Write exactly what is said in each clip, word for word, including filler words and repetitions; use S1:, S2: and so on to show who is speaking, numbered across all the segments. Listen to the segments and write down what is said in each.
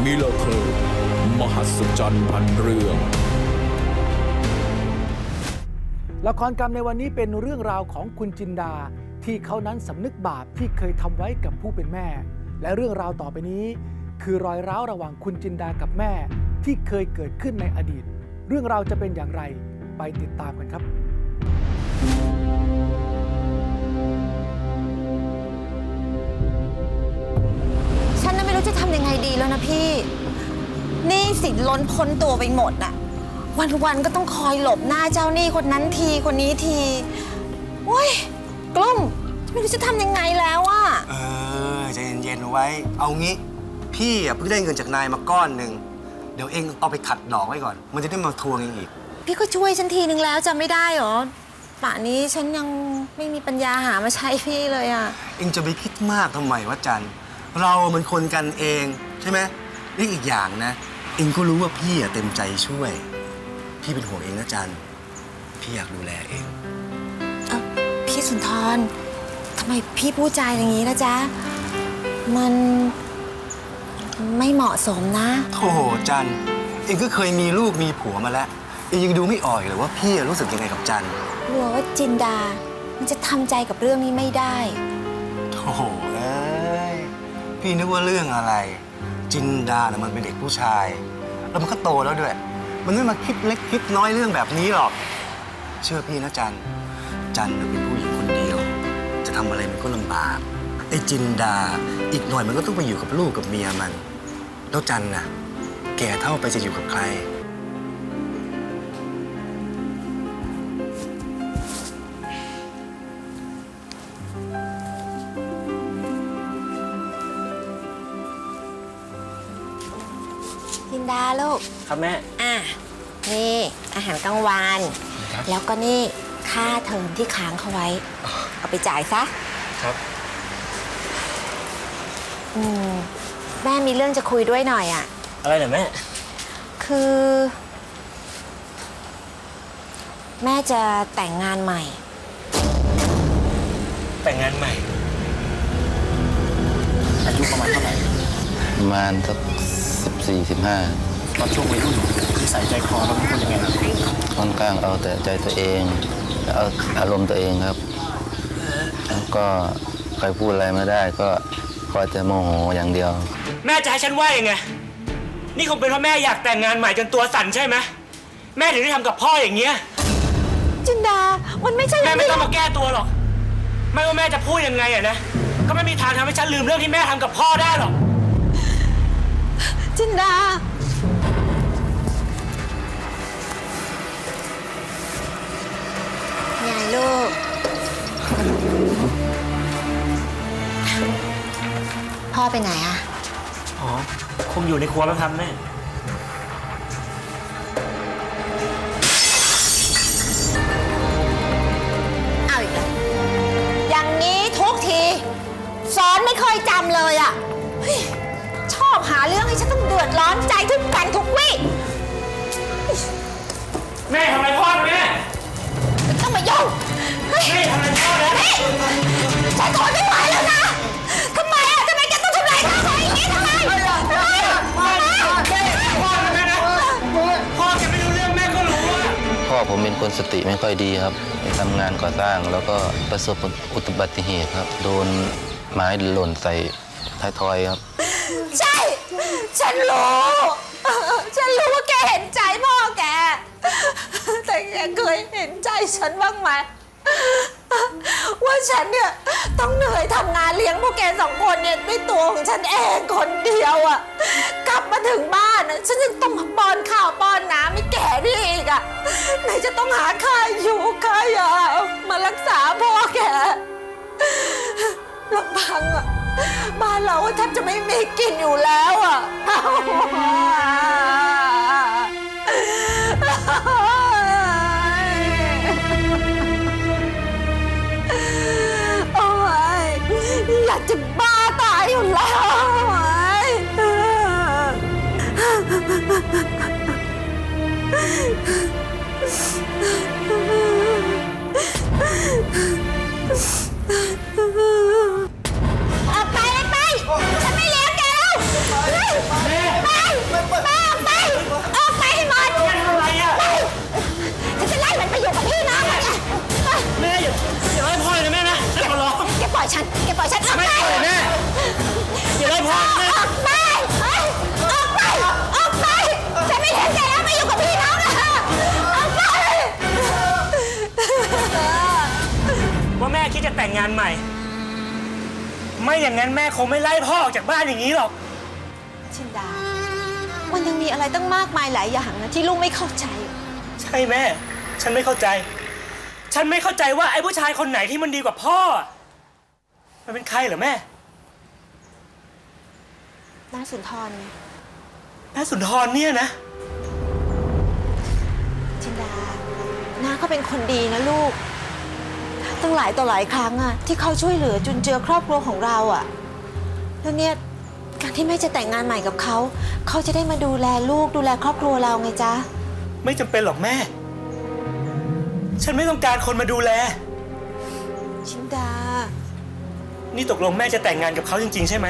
S1: มิเลเธอร์มหัศจรรย์พันเรื่อง
S2: ละครกรรมในวันนี้เป็นเรื่องราวของคุณจินดาที่เขานั้นสำนึกบาปที่เคยทำไว้กับผู้เป็นแม่และเรื่องราวต่อไปนี้คือรอยร้าวระหว่างคุณจินดากับแม่ที่เคยเกิดขึ้นในอดีตเรื่องราวจะเป็นอย่างไรไปติดตามกันครับ
S3: ฉันน่ะไม่รู้จะทำยังไงดีแล้วนะพี่หนี้สินล้นพ้นตัวไปหมดน่ะวันๆก็ต้องคอยหลบหน้าเจ้าหนี้คนนั้นทีคนนี้ทีโอ้ยกลุ้มไม่รู้จะทำยังไงแล้วอะ
S4: เออใจเย็นๆไว้เอางี้พี่อ่ะเพิ่งได้เงินจากนายมาก้อนหนึ่งเดี๋ยวเองเอาไปขัดดอกไว้ก่อนมันจะได้มาทวงเองอีก
S3: พี่ก็ช่วยฉันทีนึงแล้วจะไม่ได้หรอป่านนี้ฉันยังไม่มีปัญญาหามาใช้พี่เลยอะ
S4: เองจะไปคิดมากทำไมวะจันเรามันคนกันเองใช่ไหมนี่อีกอย่างนะเองก็รู้ว่าพี่อ่ะเต็มใจช่วยพี่เป็นห่วงเองนะจันพี่อยากดูแลเอง
S3: เอ้าพี่สุนทรทำไมพี่พูดจาอย่างนี้นะจ๊ะมันไม่เหมาะสมนะ
S4: โธ่จันเองก็เคยมีลูกมีผัวมาแล้วเองยังดูไม่ออกเลยว่าพี่รู้สึกยังไงกับจัน
S3: กลัวว่าจินดามันจะทำใจกับเรื่องนี้ไม่ได้
S4: โธ่เอ้ยพี่นึกว่าเรื่องอะไรจินดาเนี่ยมันเป็นเด็กผู้ชายแล้วมันก็โตแล้วด้วยมันไม่มาคิดเล็กคิดน้อยเรื่องแบบนี้หรอกเชื่อพี่นะจันจันเป็นผู้หญิงคนเดียวจะทำอะไรมันก็ลำบากไอ้จินดาอีกหน่อยมันก็ต้องไปอยู่กับลูกกับเมียมันแล้วจันน่ะแก่เท่าไปจะอยู่กับใคร
S3: จินดาลูก
S4: ครับแม่
S3: อ่ะนี่อาหารกลางวันแล้วก็นี่ค่าเทอมที่ค้างเขาไว้เอาไปจ่ายซะ
S4: ครับ
S3: อืมแม่มีเรื่องจะคุยด้วยหน่อยอ่ะ
S4: อะไรเหรอแม่
S3: คือแม่จะแต่งงานใหม่
S4: แต่งงานใหม่อายุประมาณเท่าไหร่
S5: ประมาณสักสิบสี่สิบห้า
S4: ตอนช่วงวัยรุ่นนิสัยใจคอเราเป็นคนยังไง
S5: ค่อนข้างเอาแต่ใจตัวเองเอาอารมณ์ตัวเองครับแล้วก็ใครพูดอะไรไม่ได้ก็คอยแต่โมโหอย่างเดียว
S6: แม่จะให้ฉันว่ายังไงนี่คงเป็นเพราะแม่อยากแต่งงานใหม่จนตัวสั่นใช่ไหมแม่ถึงได้ทำกับพ่ออย่างเงี้ย
S3: จินดามันไม่ใช่
S6: แม่ไม่ต้องมาแก้ตัวหรอกไม่ว่าแม่จะพูดยังไงอะนะก็ไม่มีทางทำให้ฉันลืมเรื่องที่แม่ทำกับพ่อได้หรอก
S3: จินดาไงลูกพ่อไปไหนอะ
S6: อ๋อคงอยู่ในครัวมั้งครับแม่
S3: เอาอีกแล้วอย่างนี้ทุกทีสอนไม่เคยจำเลยอะชอบหาเรื่องให้ฉันต้องเดือดร้อนใจทุกวันทุกวี่
S6: แม่ทำอะไรพ่อแม่
S3: ไม่ต้องมายุ่ง
S6: แม่ทำอะไรพ่อแล้ว
S3: นี่ฉันทนไม่ไหวแล้วนะทำไมอ่ะทำไมแกต้องทำลายข้าวของอย่างนี้ทำไมทำไม
S6: พ่อแม่นะพ่อแกไม่รู้เรื่องแม่ก็รู้ว่า
S5: พ่อผมเป็นคนสติไม่ค่อยดีครับไปทำงานก่อสร้างแล้วก็ประสบอุบัติเหตุครับโดนไม้หล่นใส่ท้ายทอยครับ
S3: ใช่ฉันรู้ฉันรู้ว่าแกเห็นใจพ่อแกแต่แกเคยเห็นใจฉันบ้างไหมว่าฉันเนี่ยต้องเหนื่อยทำงานเลี้ยงพวกแกสองคนเนี่ยด้วยตัวของฉันเองคนเดียวอ่ะกลับมาถึงบ้านอ่ะฉันยังต้องมาป้อนข้าวป้อนน้ำให้แกนี่อีกอ่ะไหนจะต้องหาค่าอยู่ค่ายามารักษาพ่อแกลำพังอ่ะบ้านเราแทบจะไม่มีกินอยู่แล้วอ่ะโอ้ยอยากจะบ้าตายอยู่แล้วไปเลยไปฉันไม่เลี้ยงแกแล้วไป
S6: ไม่อย่างนั้นแม่คงไม่ไล่พ่อออกจากบ้านอย่างนี้หรอก
S3: จินดา มันยังมีอะไรตั้งมากมายหลายอย่างนะที่ลูกไม่เข้าใจ
S6: ใช่แม่ ฉันไม่เข้าใจ ฉันไม่เข้าใจว่าไอ้ผู้ชายคนไหนที่มันดีกว่าพ่อ มันเป็นใครเหรอแม่
S3: น้าสุนทรไง
S6: น้าสุนทรเนี่ยนะ
S3: จินดา น้าเขาเป็นคนดีนะลูก ตั้งหลายต่อหลายครั้งอะที่เขาช่วยเหลือจุนเจือครอบครัวของเราอะแล้วเนี่ยการที่แม่จะแต่งงานใหม่กับเขา เขาจะได้มาดูแลลูกดูแลครอบครัวเราไงจ๊ะ
S6: ไม่จำเป็นหรอกแม่ ฉันไม่ต้องการคนมาดูแล
S3: จินดา
S6: นี่ตกลงแม่จะแต่งงานกับเขาจริงๆใช่ไหม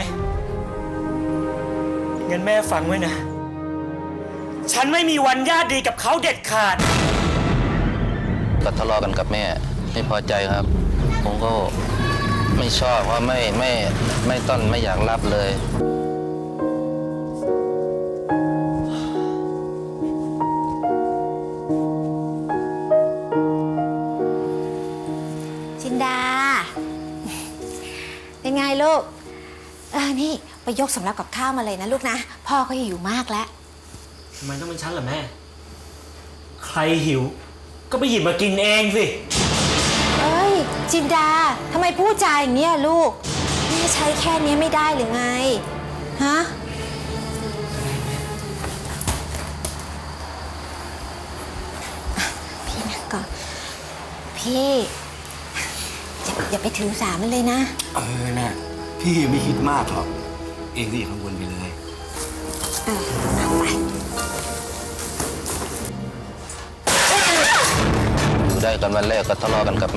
S6: งั้นแม่ฟังไว้นะ ฉันไม่มีวันญาติดีกับเขาเด็ดขาด
S5: ก็ทะเลาะกันกับแม่ ไม่พอใจครับ ผมก็ไม่ชอบว่าไม่ไม่ไม่ต้นไม่อยากรับเลย
S3: จินดา เป็นไงลูก เออนี่ไปยกสำรับกับข้าวมาเลยนะลูกนะ พ่อก็หิวมากแล้ว
S6: ทำไมต้องเป็นฉันล่ะแม่ ใครหิว ก็ไปหยิบมากินเองสิ
S3: เอ้ย จินดา ทำไมพูดจาอย่างเนี้ยลูกแม่ใช้แค่นี้ไม่ได้หรือไง ฮะ พี่นะก่อน พี่อย่าอย่าไปถือสามันเลยนะ
S4: เออน่ะพี่ไม่คิดมากหรอก เองก็อย่ากังวลไปเลย
S3: เออเอาไป
S5: อยู่ได้กันวันแรกก็ทะเลาะกันกับแม่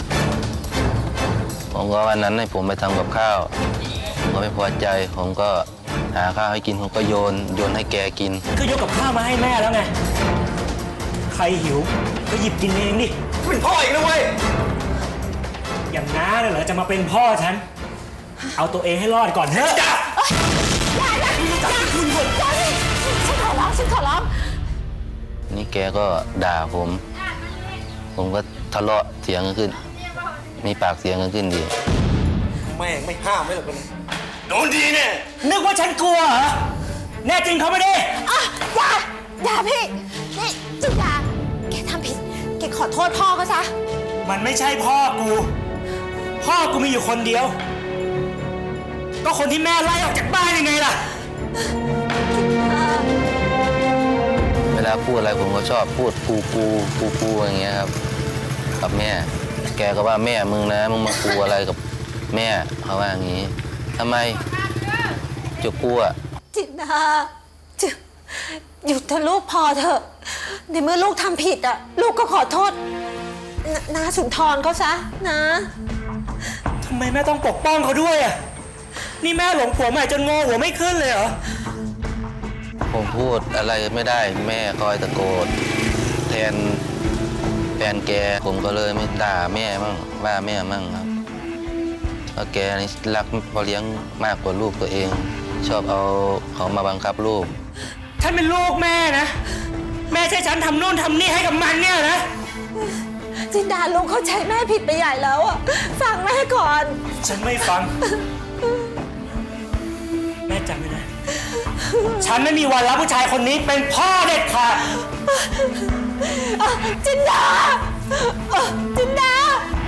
S5: ผมก็วันนั้นให้ผมไปทำกับข้าวผมก็ไม่พอใจ ผมก็หาข้าวให้กิน ผมก็โยนโยนให้แกกิน
S6: ก็ยกกับข้าวมาให้แม่แล้วไง ใครหิว ก็หยิบกินเองดิ
S4: เป็นพ่ออีกนะเว้ย
S6: อย่างน้าเนี่ยเหรอจะมาเป็นพ่อฉัน เอาตัวเองให้รอดก่อนเถอะ
S3: อย่าอย่าอย่าอย่าฉันขอร้องฉันขอร้อง
S5: นี่แกก็ด่าผม ผมก็ทะเลาะเสียงกันขึ้น มีปากเสียงกันขึ้นดี
S4: แม่งไม่ห้ามไม่หรอกนะโดนดีเนี่ย
S6: นึกว่าฉันกลัวเหรอ แน่จริงเขาไม่ได้
S3: อ่ะอย่าอย่าพี่ นี่จินดา แกทำผิด แกขอโทษพ่อเขาซะ
S6: มันไม่ใช่พ่อกู พ่อกูมีอยู่คนเดียว ก็คนที่แม่ไล่ออกจากบ้านยังไงล่ะ
S5: เวลาพูดอะไรผมก็ชอบพูดกูกูกูกูอย่างเงี้ยครับ กับแม่ แกก็ว่าแม่มึงนะ มึงมากูอะไรกับแม่เขาว่าอย่างงี้ทำไมจะกลัว
S3: จินดาจะหยุดเถอะลูกพอเถอะ ในเมื่อลูกทำผิดอ่ะ ลูกก็ขอโทษนนาสุนทรเขาซะนะ
S6: ทำไมแม่ต้องปกป้องเขาด้วยอ่ะ นี่แม่หลงผัวใหม่จนงอหัวไม่ขึ้นเลยเหรอ
S5: ผมพูดอะไรไม่ได้แม่คอยตะโกนแทนแฟนแกผมก็เลยไม่ด่าแม่มั่งว่าแม่มั่งครับเพราะแกนี่รักพ่อเลี้ยงมากกว่าลูกตัวเอง ชอบเอาเขามาบังคับลูก
S6: ฉันเป็นลูกแม่นะ แม่ใช้ฉันทำโน่นทำนี่ให้กับมันเนี่ยนะ
S3: จินดาลูกเข้าใจแม่ผิดไปใหญ่แล้วอ่ะ ฟังแม่ก่อน
S6: ฉันไม่ฟัง แม่จำไว้นะ ฉันไม่มีวันรับผู้ชายคนนี้เป็นพ่อเด็ดขาด
S3: อ่ะจินดาอ่ะจินดา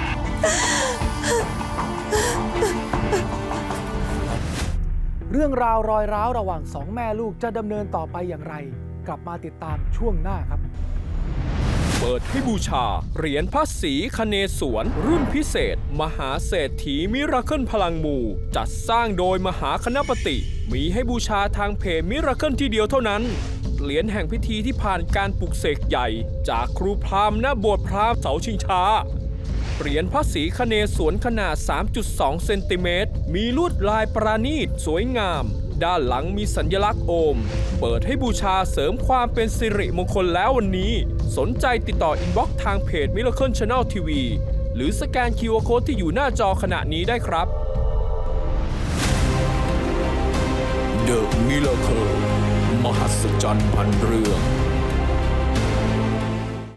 S2: เรื่องราวรอยร้าวระหว่างสองแม่ลูกจะดำเนินต่อไปอย่างไร กลับมาติดตามช่วงหน้าครับ
S1: เปิดให้บูชา เหรียญพระศรีคเนศวร รุ่นพิเศษ มหาเศรษฐีมิราเคิลพลังมู จัดสร้างโดยมหาคณปติ มีให้บูชาทางเพจมิราเคิลที่เดียวเท่านั้น เหรียญแห่งพิธีที่ผ่านการปลุกเสกใหญ่ จากครูพราหมณ์ณโบสถ์พราหมณ์เสาชิงช้า เหรียญพระศรีคเนศวรขนาด สามจุดสอง เซนติเมตร มีลวดลายประณีตสวยงาม ด้านหลังมีสัญลักษณ์โอม เปิดให้บูชาเสริมความเป็นสิริมงคลแล้ววันนี้ สนใจติดต่ออินบ็อกซ์ทางเพจ Miracle Channel ที วี หรือสแกน คิว อาร์ Code ที่อยู่หน้าจอขณะนี้ได้ครับ The Miracle มหัศจรรย์พันเรื่อง